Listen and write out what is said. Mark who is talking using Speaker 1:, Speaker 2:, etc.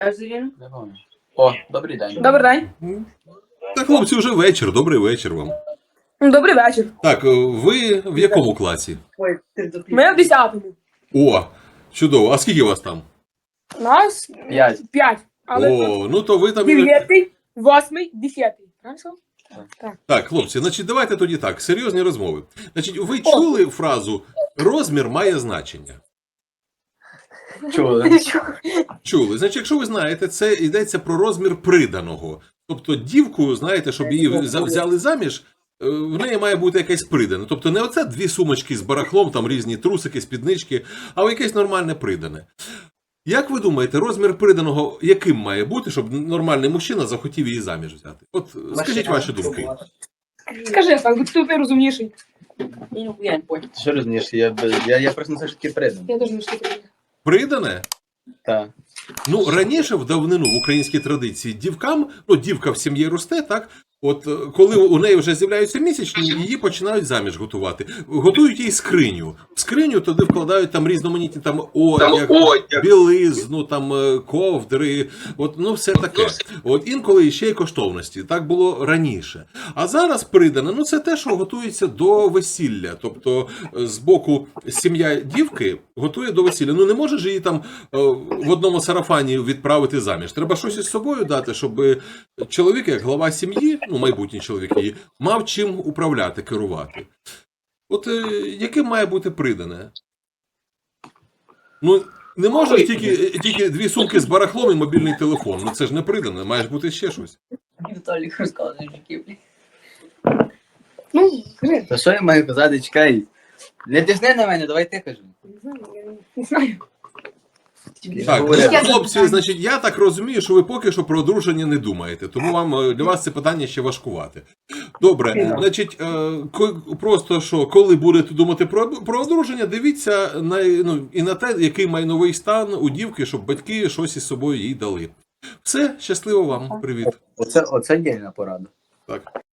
Speaker 1: Не пам'ятаю. О, добрий день.
Speaker 2: Добрий день.
Speaker 3: Так, хлопці, вже вечір. Добрий вечір вам.
Speaker 2: Добрий вечір.
Speaker 3: Так, ви в якому класі?
Speaker 2: Ми в 10-му.
Speaker 3: О, чудово. А скільки вас там?
Speaker 2: Нас
Speaker 1: 5.
Speaker 2: 5. Але
Speaker 3: О, ну то ви там...
Speaker 2: 9, 8, 10. Правильно?
Speaker 3: Так, хлопці, значить, давайте тоді так, серйозні розмови. Значить, ви чули фразу «розмір має значення»?
Speaker 1: Чули.
Speaker 3: Чули. Значить, якщо ви знаєте, це йдеться про розмір приданого. Тобто дівку, знаєте, щоб її взяли заміж, в неї має бути якесь придане. Тобто не оце 2 сумочки з барахлом, там різні трусики, спіднички, а якесь нормальне придане. Як ви думаєте, розмір приданого яким має бути, щоб нормальний мужчина захотів її заміж взяти? От скажіть ваші думки.
Speaker 2: Скажи, так, бо ти розумніший.
Speaker 1: Що розумієш? Я просто не знаю, що таке придан.
Speaker 2: Я теж не вступив.
Speaker 3: Придане?
Speaker 1: Так.
Speaker 3: Ну, раніше в давнину в українській традиції дівкам, ну, дівка в сім'ї росте, так? От коли у неї вже з'являються місячні, її починають заміж готувати. Готують їй скриню. В скриню туди вкладають там різноманітні там одяг, білизну, там ковдри, от, ну все таке. От інколи ще й коштовності. Так було раніше. А зараз придане, ну це те, що готується до весілля. Тобто з боку сім'я дівки готує до весілля. Ну не може ж її там в одному сарафані відправити заміж. Треба щось із собою дати, щоб чоловік, як глава сім'ї, ну, майбутній чоловік її, мав чим управляти, керувати. От яким має бути придане? Ну, не можеш тільки 2 сумки з барахлом і мобільний телефон. Ну, це ж не придане, має ж бути ще щось.
Speaker 4: Віталік розказує життєві.
Speaker 2: Ну, скажи.
Speaker 1: Та що я маю казати? Чекай. Не тисни на мене, давай ти кажи.
Speaker 2: Не знаю, я не знаю.
Speaker 3: Так,
Speaker 1: Говори.
Speaker 3: хлопці, значить, я так розумію, що ви поки що про одруження не думаєте, тому вам для вас це питання ще важкувати. Добре, значить, просто що, коли будете думати про одруження, дивіться і на те, який майновий стан у дівки, щоб батьки щось із собою їй дали. Все, щасливо вам, привіт.
Speaker 1: Оце дільна порада.
Speaker 3: Так.